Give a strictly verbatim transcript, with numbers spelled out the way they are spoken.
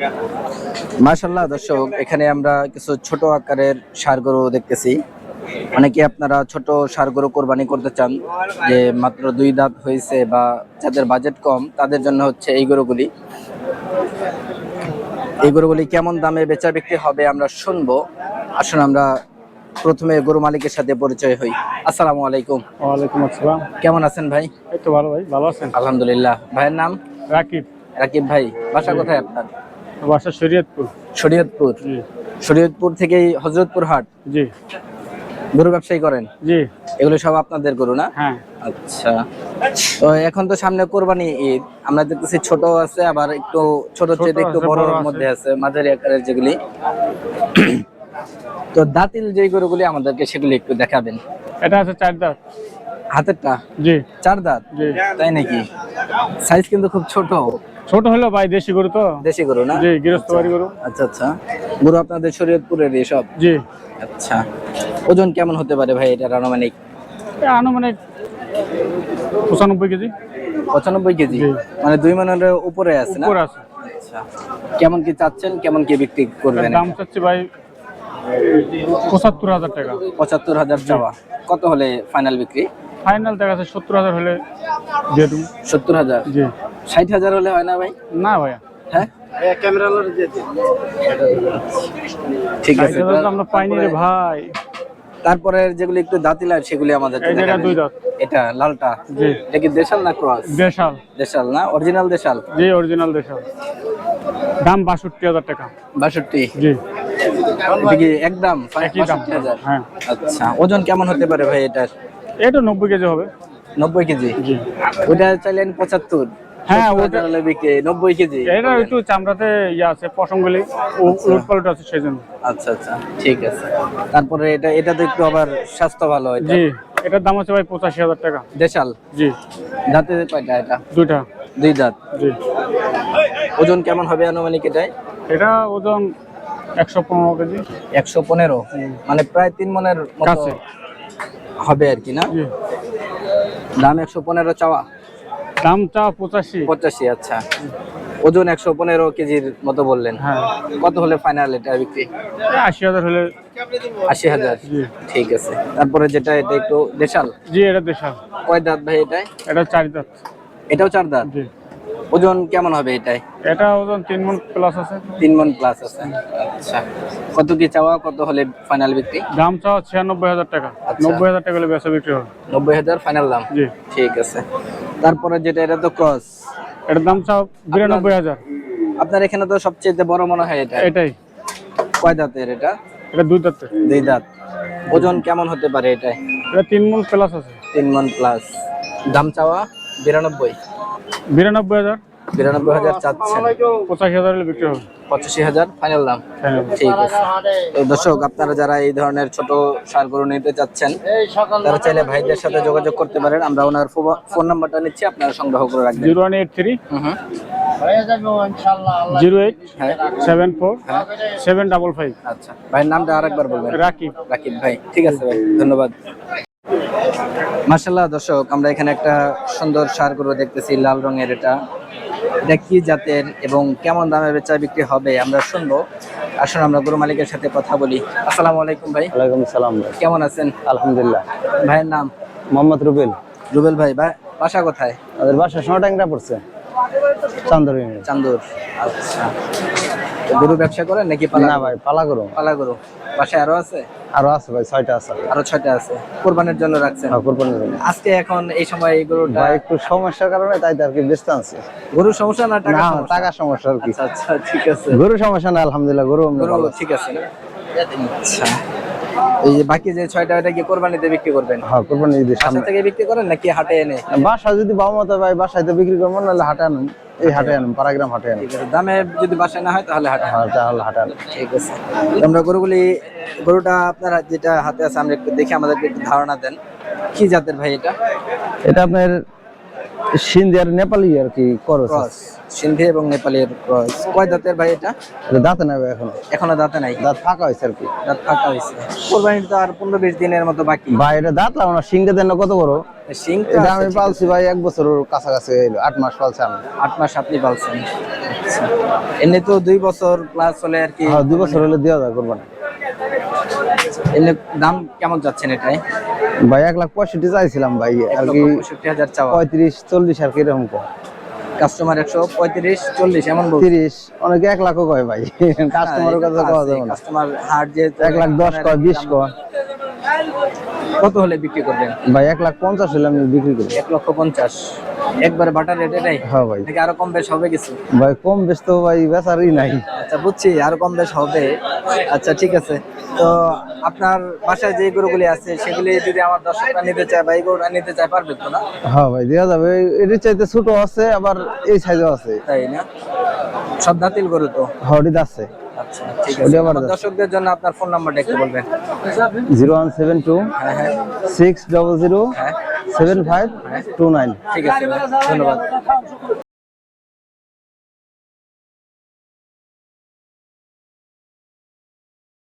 মাশাআল্লাহ দর্শক, এখানে আমরা কিছু ছোট আকারের ষাঁড় গরু দেখতেছি। অনেকে আপনারা ছোট ষাঁড় গরু কোরবানি করতে চান, যে মাত্র দুই দাঁত হয়েছে বা যাদের বাজেট কম, তাদের জন্য হচ্ছে এই গরুগুলি। এই গরুগুলি কেমন দামে বেচা বিক্রি হবে আমরা শুনবো। আসুন আমরা প্রথমে গরু মালিকের সাথে পরিচয় হই। আসসালামু আলাইকুম। ওয়ালাইকুম আসসালাম। কেমন আছেন ভাই? এই তো ভালো ভাই, ভালো আছেন? আলহামদুলিল্লাহ। ভাইয়ের নাম? রাকিব। রাকিব ভাই, বাসা কোথায় আপনার? বাসা শরীয়তপুর। শরীয়তপুর। জি। শরীয়তপুর থেকেই হযরতপুর হাট। জি। গরু ব্যবসায়ী করেন? জি। এগুলো সব আপনাদের গরু না? হ্যাঁ। আচ্ছা, তো এখন তো সামনে কোরবানি ঈদ, আমরা দেখতেছি ছোট আছে, আবার একটু ছোট চেয়ে একটু বড়র মধ্যে আছে, মাঝারি আকারের যেগুলি। তো দাঁতিল যে গরুগুলি আমাদেরকে সেগুলি একটু দেখাবেন। এটা আছে চার দাঁত। হাতেরটা? জি। চার দাঁত? জি। তাই নাকি? সাইজ কিন্তু খুব ছোট। ছোট হলো ভাই, দেশি গরু তো। দেশি গরু না? জি, গৃহস্থবাড়ি গরু। আচ্ছা আচ্ছা, গরু আপনাদের শরীয়তপুরের এসব? জি। আচ্ছা, ওজন কেমন হতে পারে ভাই এটার আনুমানিক? আনুমানিক পঁচানব্বই কেজি। পঁচানব্বই কেজি? মানে দুই মনের উপরে আছে না? উপরে আছে। আচ্ছা, কেমন কি চাচ্ছেন, কেমন কি বিক্রি করবেন? দাম চাচ্ছি ভাই পঁচাত্তর হাজার টাকা। পঁচাত্তর হাজার চাওয়া। কত হলে ফাইনাল বিক্রি? ফাইনাল দেখা যাচ্ছে সত্তর হাজার হলে দিয়ে দেবো। সত্তর হাজার? জি। ষাট হাজার হলে হয় না ভাই? না ভাইয়া। হ্যাঁ, ঠিক আছে, আমরা পাইনি রে ভাই। তারপরে যেগুলি একটু দাঁতিলা সেগুলি আমাদের দুই দাঁত। এটা লালটা? জি। এটা কি দেশাল না ক্রস? দেশাল। দেশাল না? অরিজিনাল দেশাল? জি, অরিজিনাল দেশাল। দাম বাষট্টি হাজার টাকা। বাষট্টি? জি। এটা কি একদম একই দাম? হ্যাঁ। আচ্ছা, ওজন কেমন হতে পারে ভাই এটার? এটা নব্বই কেজি হবে। নব্বই কেজি? জি। ওটা চাইলেন পঁচাত্তর? হ্যাঁ, ওটা হলে বিক্রি নব্বই কেজি। এটা একটু চামড়াতে ইয়ে আছে, পশমগুলি উলট পালট আছে সেজন্য। আচ্ছা আচ্ছা, ঠিক আছে। তারপরে এটা এটা তো একটু আবার স্বাস্থ্য ভালো হয়। জি, এটার দাম আছে ভাই পঁচাশি হাজার টাকা। দেশাল? জি। দাঁতে কয়টা এটা? দুইটা। দুই দাঁত? জি। ওজন কেমন হবে আনুমানিক এটাই? এটা ওজন একশো পনেরো কেজি। একশো পনেরো? মানে প্রায় তিন মনের মতো হবে আর কি না? জি। দাম একশো পনেরো চাওয়া? দামটা পঁচাশি। পঁচাশি? আচ্ছা, ওজন একশো পনেরো কেজির মতো বললেন। হ্যাঁ। কত হলে ফাইনাল এটা বিক্রি? আশি হাজার হলে। আশি হাজার? জি। ঠিক আছে। তারপরে যেটা এটা একটু দেশাল? জি, এটা দেশাল। কয় দাঁত ভাই এটাই? এটা চার দাঁত। এটাও চার দাঁত? জি। ওজন কেমন হবে এটাই? এটা ওজন তিন মণ প্লাস আছে। তিন মণ প্লাস আছে? আচ্ছা, কত কি চাওয়া, কত হলে ফাইনাল বিক্রি? দাম চাওয়া ছিয়ানব্বই হাজার টাকা। নব্বই হাজার টাকা হলে বেচা বিক্রি হবে। নব্বই হাজার ফাইনাল দাম? জি। ঠিক আছে। তারপরে যেটা এটা তো ক্রস, এটার দাম চাও বিরানব্বই হাজার। আপনার এখানে তো সবচেয়ে বড় মনে হয় এটা? এটাই। কয় দাঁতের এটা? এটা দুই দাঁতের। দুই দাঁত। ওজন কেমন হতে পারে এটাই? এটা তিন মণ প্লাস আছে। তিন মণ প্লাস। দাম চাওয়া বিরানব্বই? বিরানব্বই হাজার। বিরানব্বই হাজার চাচ্ছেন? পঁচাশি হাজার হলে বিক্রি হবে। পঁচাশি হাজার ফাইনাল দাম? ঠিক আছে। তো দর্শক, আপনারা যারা এই ধরনের ছোট ষাঁড় গরু নিতে চাচ্ছেন, তারা চাইলে ভাইদের সাথে যোগাযোগ করতে পারেন। আমরা ওনার ফোন নাম্বারটা নিচ্ছি, আপনারা সংগ্রহ করে রাখবেন। Zero one eight three hmm zero eight seven four seven double five. আচ্ছা, ভাইয়ের নামটা আরেকবার বলবেন। রাকিব। রাকিব ভাই, ঠিক আছে ভাই, ধন্যবাদ। মাশাআল্লাহ দর্শক, আমরা এখানে একটা সুন্দর ষাঁড় গরু দেখতেছি, লাল রঙের। এটা এটা কি জাতের এবং কেমন দামে বেচা বিক্রি হবে আমরা শুনবো। আসুন আমরা গরু মালিকের সাথে কথা বলি। আসসালামু আলাইকুম ভাই। ওয়ালাইকুম সালাম ভাই। কেমন আছেন? আলহামদুলিল্লাহ। ভাইয়ের নাম? মোহাম্মদ রুবেল। রুবেল ভাই, বাসা কোথায়? আমাদের বাসা সোনাটাঙ্গা পড়ছে, চান্দুর। চান্দুর? আচ্ছা, গরু ব্যবসা করেন নাকি পালা? না ভাই, পালা গরু। পালা গরু। বাসায় আরো আছে? আরো আছে ভাই, ছয়টা আছে। আরো ছয়টা আছে, কোরবানির জন্য রাখছেন? হ্যাঁ, কোরবানির জন্য। আজকে এখন এই সময় এই গরুটা ভাই একটু সমস্যার কারণে তাই আর কি ব্যস্ত আছে। গরুর সমস্যা না টাকা সমস্যা? টাকা সমস্যা আর কি। আচ্ছা আচ্ছা, ঠিক আছে। গরু সমস্যা না, আলহামদুলিল্লাহ। গরু গরু ঠিক আছে না? আচ্ছা, এই যে বাকি যে ছয়টা, এটা কি কোরবানিতে বিক্রি করবেন? হ্যাঁ, কোরবানি ঈদের বাসা সামনে থেকে বিক্রি করেন নাকি হাটে এনে? বাসা যদি বাবা মতো ভাই, বাসায় তো বিক্রি করবো, নাহলে হাটে আনুন। এই হাটে আনুন, পাড়াগ্রাম হাটে আনুন। ঠিক আছে, দামে যদি বাসায় না হয় তাহলে হাটে? হ্যাঁ, তাহলে হাটে আনুন। ঠিক আছে। আমরা গরুগুলি, গরুটা আপনারা যেটা হাতে আছে আমরা একটু দেখে আমাদেরকে একটু ধারণা দেন, কি জাতের ভাই এটা? এটা আপনার সিন্ধি আর নেপালি আর কি ক্রস। সিন্ধি এবং নেপালের ক্রস। কয় দাঁতের ভাই এটা? এটা দাঁতে নেবে এখনো? এখনো দাঁতে নাই? দাঁত ফাঁকা হয়েছে আর কি। দাঁত ফাঁকা হয়েছে। কোরবানির তো আর পনেরো বিশ দিনের মতো বাকি। ভাই এটা দাঁত লাগানো, সিংটা দেন না কত বড়? সিং এটা আমি পালছি ভাই এক বছরের কাছাকাছি হইলো, আট মাস পালছি আমি। আট মাস আপনি পালছেন? এমনি তো দুই বছর প্লাস হলে আর কি, হ্যাঁ দুই বছর হলে দেওয়া যায় কোরবানি। এমনি দাম কেমন যাচ্ছেন এটাই? ভাই এক লাখ পঁয়ষট্টি চাইছিলাম ভাই, এক আর লক্ষ কি পঁয়ষট্টি হাজার চাওয়া, পঁয়ত্রিশ চল্লিশ আর কি এরকম কম। কাস্টমার একশো পঁয়ত্রিশ চল্লিশ এমন বলছে। তিরিশ, অনেকে এক লাখও কয় ভাই, কাস্টমারের কাছে কওয়া যাবে না। কাস্টমার হাট যে এক লাখ দশ কয়, বিশ কয়। কত হলে বিক্রি করবেন? ভাই এক লাখ পঞ্চাশ হলে আমি বিক্রি করি। এক লক্ষ পঞ্চাশ একবারে বাটার রেট এটাই? হ্যাঁ ভাই। নাকি আরো কম বেশ হবে কিছু? ভাই কম বেশ তো ভাই বেচারই নাই। আচ্ছা বুঝছি, আরো কম বেশ হবে। আচ্ছা ঠিক আছে। তো আপনার বাসায় যে গরুগুলি আছে সেগুলি যদি আমার দর্শকরা নিতে চায় বা এই গরুটা নিতে চায়, পারবে তো না? হ্যাঁ ভাই দেওয়া যাবে, এটির চাইতে ছোট আছে আবার এই সাইজও আছে। তাই না? সব দাঁতিল গরু তো? হডিদ আছে। আচ্ছা ঠিক আছে। আমার দর্শকদের জন্য আপনার ফোন নাম্বারটা একটু বলবেন। জিরো ওয়ান সেভেন টু হ্যাঁ হ্যাঁ সিক্স ডবল জিরো হ্যাঁ সেভেন ফাইভ টু নাইন। ঠিক আছে, ধন্যবাদ।